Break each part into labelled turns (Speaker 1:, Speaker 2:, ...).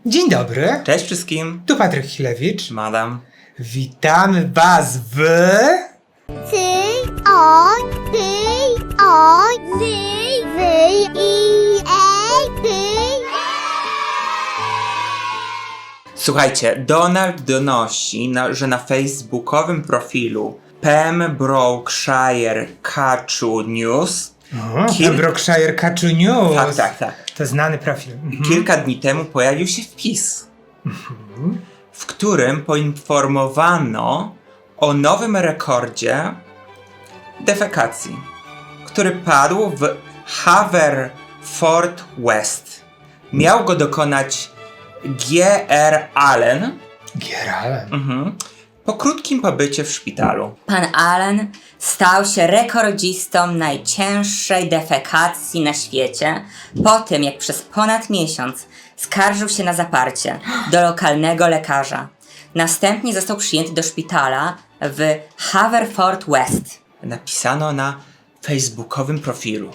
Speaker 1: Dzień dobry,
Speaker 2: Cześć wszystkim.
Speaker 1: tu Patryk Chilewicz.
Speaker 2: Madam.
Speaker 1: Witamy was w...
Speaker 2: Słuchajcie, Donald donosi, że na facebookowym profilu Pembrokeshire Kachu News
Speaker 1: Pembrokeshire Kachu News.
Speaker 2: Tak.
Speaker 1: To znany profil.
Speaker 2: Kilka dni temu pojawił się wpis, w którym poinformowano o nowym rekordzie defekacji, który padł w Haverfordwest. Miał go dokonać G.R. Allen po krótkim pobycie w szpitalu.
Speaker 3: Pan Allen stał się rekordzistą najcięższej defekacji na świecie po tym, jak przez ponad miesiąc skarżył się na zaparcie do lokalnego lekarza. Następnie został przyjęty do szpitala w Haverfordwest.
Speaker 2: Napisano na facebookowym profilu.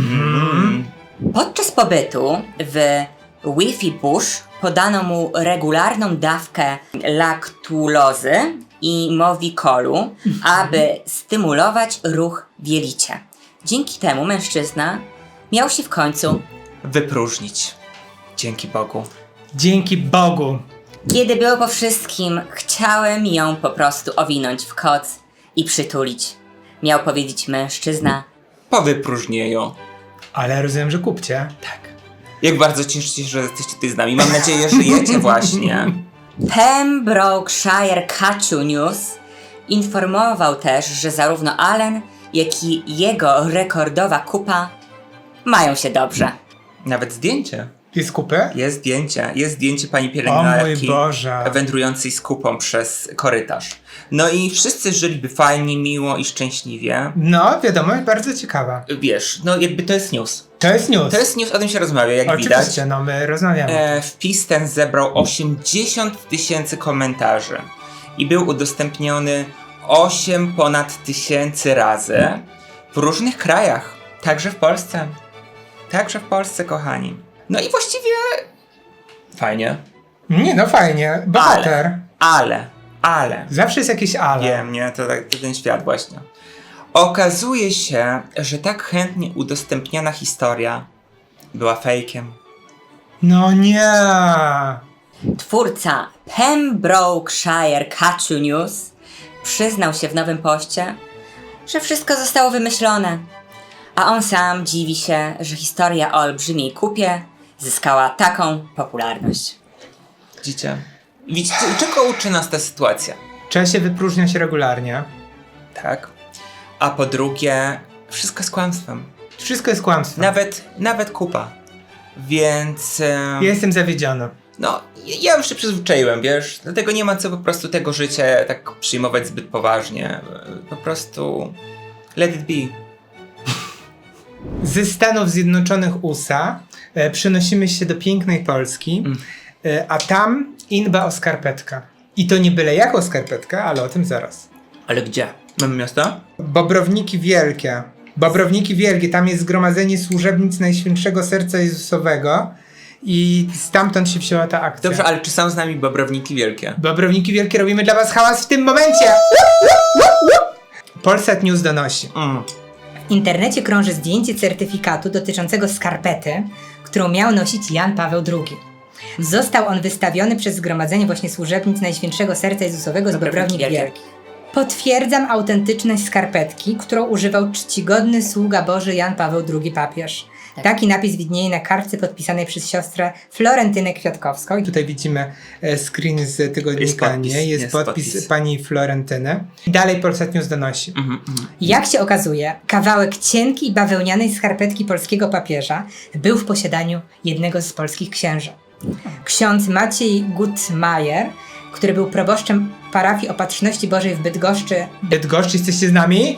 Speaker 3: Podczas pobytu w Wi-Fi Bush podano mu regularną dawkę laktulozy i Movicolu, aby stymulować ruch w jelicie. Dzięki temu mężczyzna miał się w końcu
Speaker 2: Wypróżnić. Dzięki Bogu.
Speaker 1: Dzięki Bogu.
Speaker 3: Kiedy było po wszystkim, chciałem ją po prostu owinąć w koc i przytulić. Miał powiedzieć mężczyzna.
Speaker 2: Po wypróżnieniu.
Speaker 1: Ale rozumiem, że kupcie.
Speaker 2: Tak. Jak bardzo cieszę się, że jesteście tutaj z nami. Mam nadzieję, że żyjecie właśnie.
Speaker 3: Pembrokeshire Kachu News informował też, że zarówno Allen, jak i jego rekordowa kupa mają się dobrze.
Speaker 2: Nawet zdjęcie.
Speaker 1: Jest kupy?
Speaker 2: Jest zdjęcie pani
Speaker 1: O mój
Speaker 2: pielęgniarki
Speaker 1: Boże.
Speaker 2: wędrującej z kupą przez korytarz. No i wszyscy żyliby fajnie, miło i szczęśliwie.
Speaker 1: No, wiadomo, bardzo ciekawa.
Speaker 2: Wiesz, no jakby to jest news.
Speaker 1: To jest news.
Speaker 2: To jest news, o tym się rozmawia, jak
Speaker 1: Oczywiście,
Speaker 2: widać.
Speaker 1: no my rozmawiamy.
Speaker 2: Wpis ten zebrał 80 000 komentarzy i był udostępniony ponad 1000 razy w różnych krajach, także w Polsce. Także w Polsce, kochani. No i właściwie fajnie.
Speaker 1: Nie, no fajnie. Bohater.
Speaker 2: Ale.
Speaker 1: Zawsze jest jakieś ale.
Speaker 2: Wiem, nie? To ten świat właśnie. Okazuje się, że tak chętnie udostępniana historia była fejkiem.
Speaker 1: No nie.
Speaker 3: Twórca Pembrokeshire Kachu News przyznał się w nowym poście, że wszystko zostało wymyślone, a on sam dziwi się, że historia o olbrzymiej kupie zyskała taką popularność.
Speaker 2: Widzicie? Czego uczy nas ta sytuacja?
Speaker 1: Trzeba się wypróżniać regularnie.
Speaker 2: Tak? A po drugie, wszystko jest kłamstwem.
Speaker 1: Wszystko jest kłamstwem.
Speaker 2: Nawet kupa. Więc...
Speaker 1: Ja jestem zawiedziony.
Speaker 2: No, ja już się przyzwyczaiłem, wiesz? Dlatego nie ma co po prostu tego życia tak przyjmować zbyt poważnie. Po prostu... Let it be.
Speaker 1: Ze Stanów Zjednoczonych USA przenosimy się do pięknej Polski, a tam inba o skarpetka. I to nie byle jaką skarpetkę, ale o tym zaraz.
Speaker 2: Ale gdzie? Mamy miasto?
Speaker 1: Bobrowniki Wielkie. Bobrowniki Wielkie, tam jest zgromadzenie służebnic Najświętszego Serca Jezusowego i stamtąd się wzięła ta akcja.
Speaker 2: Dobrze, ale czy są z nami Bobrowniki Wielkie?
Speaker 1: Bobrowniki Wielkie, robimy dla was hałas w tym momencie! Polsat News donosi.
Speaker 4: W internecie krąży zdjęcie certyfikatu dotyczącego skarpety, którą miał nosić Jan Paweł II. Został on wystawiony przez Zgromadzenie właśnie Służebnic Najświętszego Serca Jezusowego z Bobrownik Wielkich. Potwierdzam autentyczność skarpetki, którą używał czcigodny sługa Boży Jan Paweł II papież. Taki napis widnieje na kartce podpisanej przez siostrę Florentynę Kwiatkowską. I
Speaker 1: Tutaj widzimy screen z tygodnika,
Speaker 2: Jest podpis.
Speaker 1: pani Florentyny. I dalej Polsat News donosi.
Speaker 4: jak się okazuje, kawałek cienkiej bawełnianej skarpetki polskiego papieża był w posiadaniu jednego z polskich księży. Ksiądz Maciej Gutmajer, który był proboszczem parafii Opatrzności Bożej w
Speaker 1: Bydgoszcz, jesteście z nami?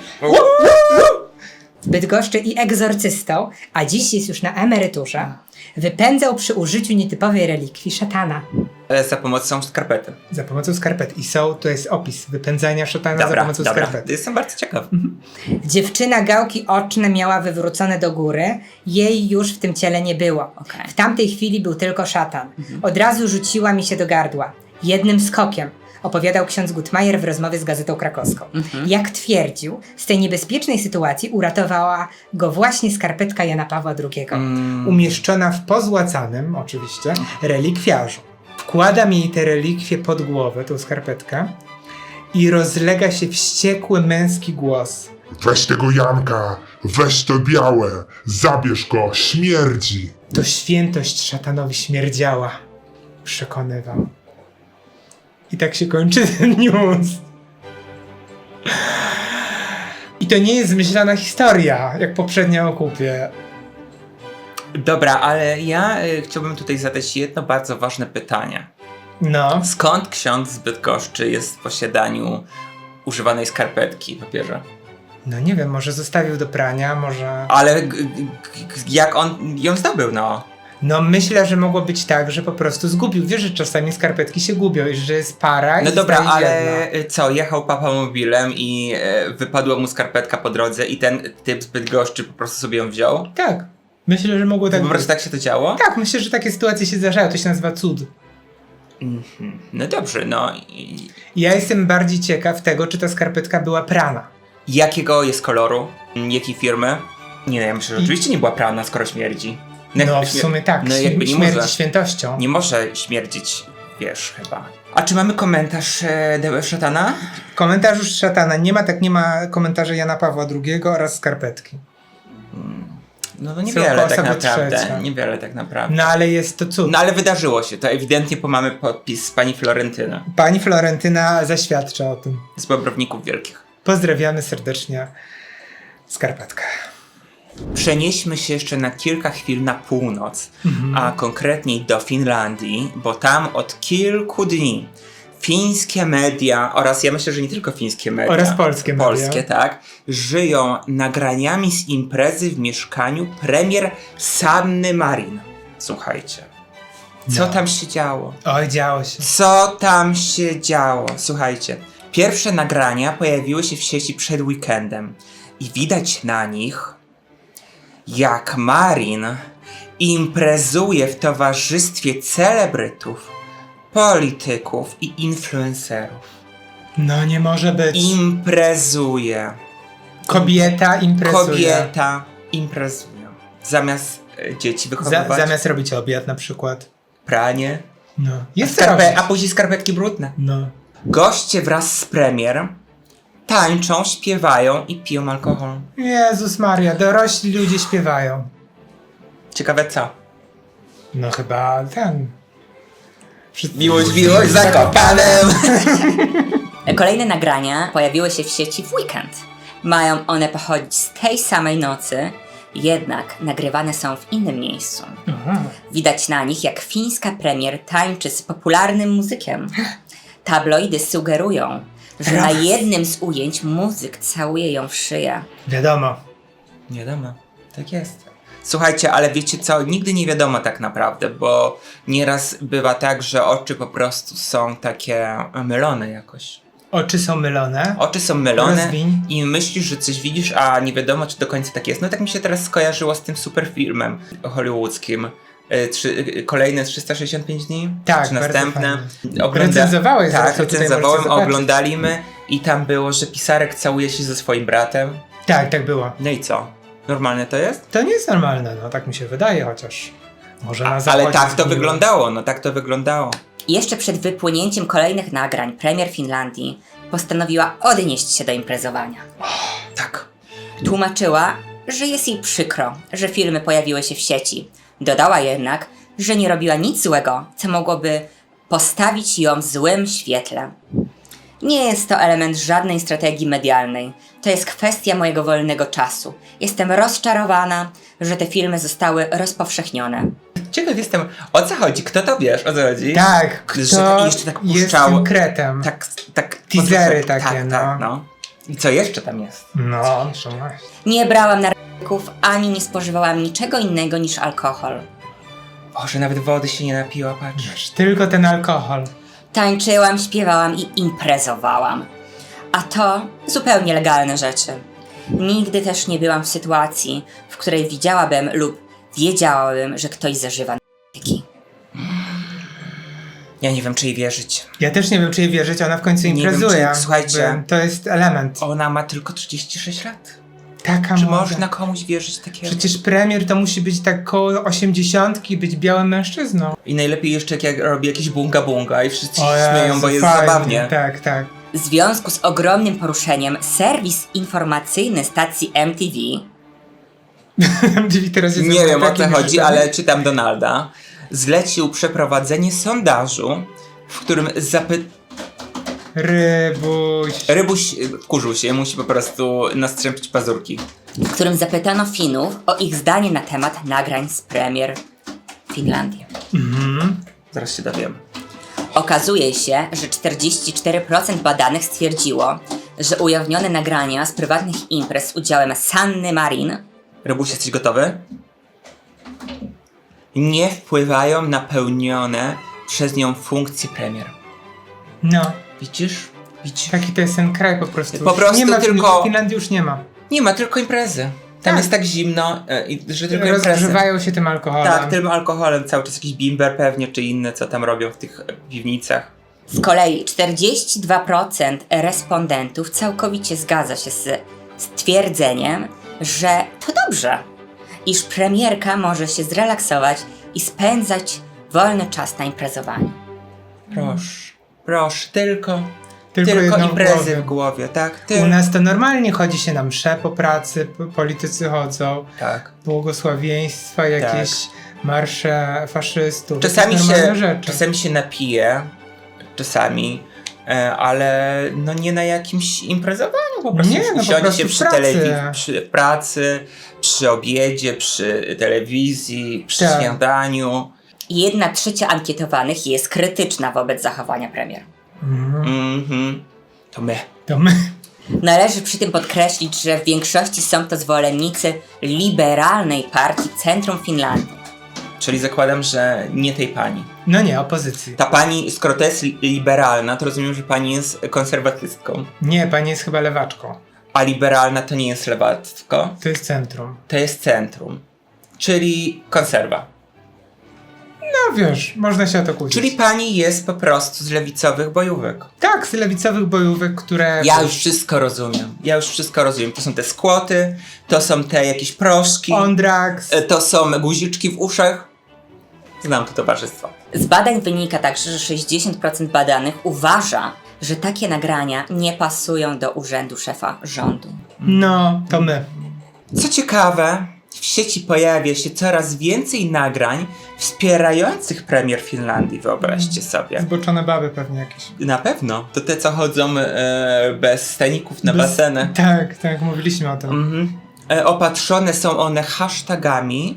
Speaker 4: I egzorcystą, a dziś jest już na emeryturze, wypędzał przy użyciu nietypowej relikwii szatana.
Speaker 2: Za pomocą skarpety.
Speaker 1: Za pomocą skarpet. I to jest opis wypędzania szatana za pomocą skarpet.
Speaker 2: Jestem bardzo ciekaw.
Speaker 4: Dziewczyna gałki oczne miała wywrócone do góry, jej już w tym ciele nie było.
Speaker 3: Okej.
Speaker 4: W tamtej chwili był tylko szatan. Od razu rzuciła mi się do gardła. Jednym skokiem, opowiadał ksiądz Gutmajer w rozmowie z Gazetą Krakowską. Jak twierdził, z tej niebezpiecznej sytuacji uratowała go właśnie skarpetka Jana Pawła II.
Speaker 1: Umieszczona w pozłacanym, oczywiście, relikwiarzu. Wkładam jej tę relikwię pod głowę, tą skarpetkę, i rozlega się wściekły męski głos.
Speaker 5: Weź tego Janka, weź to białe, zabierz go, śmierdzi.
Speaker 1: To świętość szatanowi śmierdziała, przekonywał. I tak się kończy ten news. I to nie jest zmyślana historia, jak poprzednia o kupie.
Speaker 2: Dobra, ale ja chciałbym tutaj zadać jedno bardzo ważne pytanie.
Speaker 1: No.
Speaker 2: Skąd ksiądz z Bydgoszczy jest w posiadaniu używanej skarpetki, papieża?
Speaker 1: No nie wiem, może zostawił do prania, może...
Speaker 2: Ale jak on ją zdobył, no?
Speaker 1: No myślę, że mogło być tak, że po prostu zgubił. Wiesz, że czasami skarpetki się gubią i że jest para i
Speaker 2: No dobra,
Speaker 1: zostaje
Speaker 2: ale
Speaker 1: jedna.
Speaker 2: co, jechał papamobilem i wypadła mu skarpetka po drodze i ten typ z Bydgoszczy po prostu sobie ją wziął?
Speaker 1: Tak. Myślę, że mogło tak
Speaker 2: Po
Speaker 1: być.
Speaker 2: prostu tak się to działo?
Speaker 1: Tak, myślę, że takie sytuacje się zdarzają. To się nazywa cud.
Speaker 2: No dobrze, no.
Speaker 1: Ja jestem bardziej ciekaw tego, czy ta skarpetka była prana.
Speaker 2: Jakiego jest koloru? Jakiej firmy? Nie, ja myślę, że oczywiście nie była prana, skoro śmierdzi.
Speaker 1: No w sumie tak,
Speaker 2: No jakby nie
Speaker 1: śmierdzi
Speaker 2: może,
Speaker 1: świętością.
Speaker 2: nie może śmierdzić, wiesz, chyba. A czy mamy komentarz szatana?
Speaker 1: Komentarz szatana. Nie ma komentarza Jana Pawła II oraz skarpetki.
Speaker 2: No to
Speaker 1: Są
Speaker 2: niewiele tak
Speaker 1: osoby
Speaker 2: naprawdę.
Speaker 1: trzecie.
Speaker 2: Niewiele tak naprawdę.
Speaker 1: No ale jest to cud.
Speaker 2: No ale wydarzyło się to, ewidentnie, bo mamy podpis z pani Florentyny.
Speaker 1: Pani Florentyna zaświadcza o tym.
Speaker 2: Z Bobrowników Wielkich.
Speaker 1: Pozdrawiamy serdecznie skarpetkę.
Speaker 2: Przenieśmy się jeszcze na kilka chwil na północ, a konkretniej do Finlandii, bo tam od kilku dni fińskie media oraz ja myślę, że nie tylko fińskie media,
Speaker 1: Oraz polskie media.
Speaker 2: polskie, tak, żyją nagraniami z imprezy w mieszkaniu premier Sanny Marin. Słuchajcie, co tam się działo?
Speaker 1: Oj, działo się.
Speaker 2: Co tam się działo? Słuchajcie, pierwsze nagrania pojawiły się w sieci przed weekendem i widać na nich, jak Marin imprezuje w towarzystwie celebrytów, polityków i influencerów.
Speaker 1: No nie może być.
Speaker 2: Imprezuje.
Speaker 1: Kobieta imprezuje.
Speaker 2: Kobieta imprezuje. Zamiast dzieci wychowywać,
Speaker 1: Zamiast robić obiad na przykład.
Speaker 2: pranie,
Speaker 1: No. Jest co robić.
Speaker 2: a później skarpetki brudne.
Speaker 1: No.
Speaker 2: Goście wraz z premier tańczą, śpiewają i piją alkohol.
Speaker 1: Jezus Maria, dorośli ludzie śpiewają.
Speaker 2: Ciekawe co?
Speaker 1: No chyba ten.
Speaker 2: Miłość Zakopanem!
Speaker 3: Kolejne nagrania pojawiły się w sieci w weekend. Mają one pochodzić z tej samej nocy, jednak nagrywane są w innym miejscu. Widać na nich, jak fińska premier tańczy z popularnym muzykiem. Tabloidy sugerują, że na jednym z ujęć muzyk całuje ją w szyję.
Speaker 1: Wiadomo.
Speaker 2: Nie wiadomo, tak jest. Słuchajcie, ale wiecie co? Nigdy nie wiadomo tak naprawdę, bo nieraz bywa tak, że oczy po prostu są takie mylone jakoś.
Speaker 1: Oczy są mylone.
Speaker 2: Oczy są mylone
Speaker 1: Rozwiń.
Speaker 2: i myślisz, że coś widzisz, a nie wiadomo, czy do końca tak jest. No tak mi się teraz skojarzyło z tym super filmem hollywoodzkim. Kolejne 365 dni?
Speaker 1: Tak,
Speaker 2: czy
Speaker 1: bardzo
Speaker 2: następne?
Speaker 1: fajne. Recenzowałeś,
Speaker 2: Tak,
Speaker 1: zresztą tutaj
Speaker 2: recenzowałem,
Speaker 1: możecie zobaczyć.
Speaker 2: oglądaliśmy i tam było, że pisarek całuje się ze swoim bratem.
Speaker 1: Tak było.
Speaker 2: No i co? Normalne to jest?
Speaker 1: To nie jest normalne, no tak mi się wydaje, chociaż może na zachodzie
Speaker 2: Ale tak to
Speaker 1: zmieniło.
Speaker 2: wyglądało, no tak to wyglądało.
Speaker 3: Jeszcze przed wypłynięciem kolejnych nagrań premier Finlandii postanowiła odnieść się do imprezowania.
Speaker 2: Tak.
Speaker 3: Tłumaczyła, że jest jej przykro, że filmy pojawiły się w sieci. Dodała jednak, że nie robiła nic złego, co mogłoby postawić ją w złym świetle. Nie jest to element żadnej strategii medialnej. To jest kwestia mojego wolnego czasu. Jestem rozczarowana, że te filmy zostały rozpowszechnione.
Speaker 2: Ciekaw jestem, o co chodzi? Kto to wiesz, o co chodzi?
Speaker 1: Tak, kto
Speaker 2: Że jeszcze tak
Speaker 1: jest
Speaker 2: puszczał.
Speaker 1: tym kretem.
Speaker 2: Tak.
Speaker 1: Teasery
Speaker 2: tak,
Speaker 1: takie,
Speaker 2: tak, no. I co jeszcze tam jest?
Speaker 1: No, to właśnie.
Speaker 3: Nie brałam narkotyków, ani nie spożywałam niczego innego niż alkohol.
Speaker 2: O, że nawet wody się nie napiła, patrz.
Speaker 1: Wiesz, tylko ten alkohol.
Speaker 3: Tańczyłam, śpiewałam i imprezowałam. A to zupełnie legalne rzeczy. Nigdy też nie byłam w sytuacji, w której widziałabym lub wiedziałabym, że ktoś zażywa narkotyki.
Speaker 2: Ja nie wiem, czy jej wierzyć.
Speaker 1: Ja też nie wiem, czy jej wierzyć, ona w końcu
Speaker 2: Nie wiem,
Speaker 1: imprezuje.
Speaker 2: czy- słuchajcie.
Speaker 1: Jakby To jest element.
Speaker 2: Ona ma tylko 36 lat.
Speaker 1: Taka
Speaker 2: Czy
Speaker 1: młoda.
Speaker 2: można komuś wierzyć takiego?
Speaker 1: Przecież premier to musi być tak koło 80 i być białym mężczyzną.
Speaker 2: I najlepiej jeszcze jak robi jakieś bunga i wszyscy się
Speaker 1: O
Speaker 2: śmieją,
Speaker 1: Jezu,
Speaker 2: bo jest
Speaker 1: fajnie.
Speaker 2: zabawnie.
Speaker 1: Tak, tak.
Speaker 3: W związku z ogromnym poruszeniem serwis informacyjny stacji MTV
Speaker 1: Teraz jest
Speaker 2: Nie wiem o co
Speaker 1: takim
Speaker 2: chodzi,
Speaker 1: rzeczami.
Speaker 2: ale czytam Donalda. Zlecił przeprowadzenie sondażu, w którym Rybuś wkurzył się, musi po prostu nastrzępić pazurki.
Speaker 3: w którym zapytano Finów o ich zdanie na temat nagrań z premier Finlandii.
Speaker 2: Zaraz się dowiem.
Speaker 3: Okazuje się, że 44% badanych stwierdziło, że ujawnione nagrania z prywatnych imprez z udziałem Sanny Marin
Speaker 2: Rybuś, jesteś gotowy? Nie wpływają na pełnione przez nią funkcje premier.
Speaker 1: No,
Speaker 2: Widzisz? Widzisz?
Speaker 1: taki to jest ten kraj po prostu.
Speaker 2: Po prostu
Speaker 1: nie ma,
Speaker 2: tylko-
Speaker 1: W Finlandii już nie ma.
Speaker 2: Nie ma, tylko imprezy. Tam
Speaker 1: Tak.
Speaker 2: jest tak zimno, że tylko imprezy.
Speaker 1: Rozgrzewają się tym alkoholem.
Speaker 2: Tak, tym alkoholem, cały czas jakiś bimber pewnie, czy inne, co tam robią w tych piwnicach.
Speaker 3: Z kolei 42% respondentów całkowicie zgadza się z stwierdzeniem, że to dobrze, iż premierka może się zrelaksować i spędzać wolny czas na imprezowaniu.
Speaker 2: Proszę, tylko
Speaker 1: jedną w
Speaker 2: imprezy
Speaker 1: głowie.
Speaker 2: w głowie, tak?
Speaker 1: U nas to normalnie chodzi się na msze po pracy, politycy chodzą,
Speaker 2: Tak.
Speaker 1: błogosławieństwa, jakieś marsze faszystów.
Speaker 2: Czasami
Speaker 1: jakieś normalne rzeczy.
Speaker 2: czasami się napije, ale no nie na jakimś imprezowaniu, po prostu
Speaker 1: Nie, no po
Speaker 2: usiądzie
Speaker 1: prostu
Speaker 2: się
Speaker 1: w
Speaker 2: przy
Speaker 1: pracy.
Speaker 2: przy pracy, przy obiedzie, przy telewizji, przy
Speaker 1: Tak.
Speaker 2: śniadaniu.
Speaker 3: 1/3 ankietowanych jest krytyczna wobec zachowania premier.
Speaker 2: Mhm. To my.
Speaker 1: To my.
Speaker 3: Należy przy tym podkreślić, że w większości są to zwolennicy liberalnej partii Centrum Finlandii.
Speaker 2: Czyli zakładam, że nie tej pani.
Speaker 1: No nie, opozycji.
Speaker 2: Ta pani, skoro to jest liberalna, to rozumiem, że pani jest konserwatystką.
Speaker 1: Nie, pani jest chyba lewaczką.
Speaker 2: A liberalna to nie jest lewactwo,
Speaker 1: To jest centrum.
Speaker 2: to jest centrum. Czyli konserwa.
Speaker 1: No wiesz, można się o to kłócić.
Speaker 2: Czyli pani jest po prostu z lewicowych bojówek.
Speaker 1: Tak, z lewicowych bojówek, które...
Speaker 2: Ja już wszystko rozumiem. To są te skłoty, to są te jakieś proszki,
Speaker 1: Ondrax.
Speaker 2: to są guziczki w uszach. Znam to towarzystwo.
Speaker 3: Z badań wynika także, że 60% badanych uważa, że takie nagrania nie pasują do urzędu szefa rządu.
Speaker 1: No, to my.
Speaker 2: Co ciekawe, w sieci pojawia się coraz więcej nagrań wspierających premier Finlandii, wyobraźcie sobie.
Speaker 1: Zboczone baby pewnie jakieś.
Speaker 2: Na pewno. To te, co chodzą bez staników na basenę.
Speaker 1: Tak, mówiliśmy o tym.
Speaker 2: Opatrzone są one hashtagami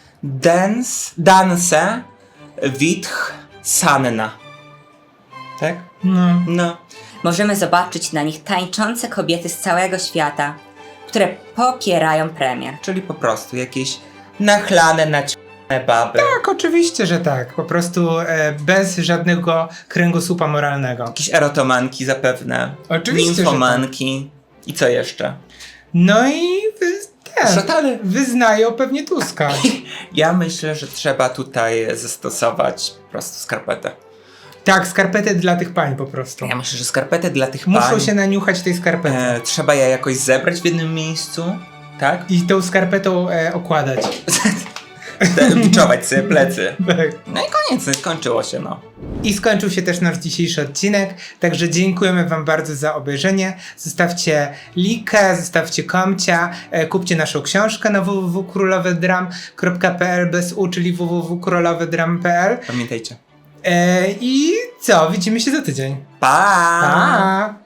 Speaker 2: Danse Witch Sanna. Tak?
Speaker 1: No.
Speaker 2: No.
Speaker 3: Możemy zobaczyć na nich tańczące kobiety z całego świata, które popierają premier.
Speaker 2: Czyli po prostu jakieś nachlane, naciągane baby.
Speaker 1: Tak, oczywiście, że tak. Po prostu bez żadnego kręgosłupa moralnego.
Speaker 2: Jakieś erotomanki zapewne.
Speaker 1: Oczywiście, że
Speaker 2: Nimfomanki. I co jeszcze?
Speaker 1: No i
Speaker 2: Szatany.
Speaker 1: wyznają pewnie Tuska.
Speaker 2: Ja myślę, że trzeba tutaj zastosować po prostu skarpetę.
Speaker 1: Tak, skarpety dla tych pań po prostu.
Speaker 2: Ja myślę, że skarpetę dla tych
Speaker 1: Muszą
Speaker 2: pań
Speaker 1: się naniuchać tej skarpety.
Speaker 2: trzeba je jakoś zebrać w jednym miejscu, tak?
Speaker 1: I tą skarpetą okładać.
Speaker 2: Biczować sobie plecy.
Speaker 1: Tak.
Speaker 2: No i koniec, no i skończyło się, no.
Speaker 1: I skończył się też nasz dzisiejszy odcinek, także dziękujemy wam bardzo za obejrzenie. Zostawcie likę, zostawcie komcia, kupcie naszą książkę na www.królowedram.pl bez u, czyli www.królowedram.pl.
Speaker 2: Pamiętajcie.
Speaker 1: I co? Widzimy się za tydzień.
Speaker 2: Pa!
Speaker 1: Pa!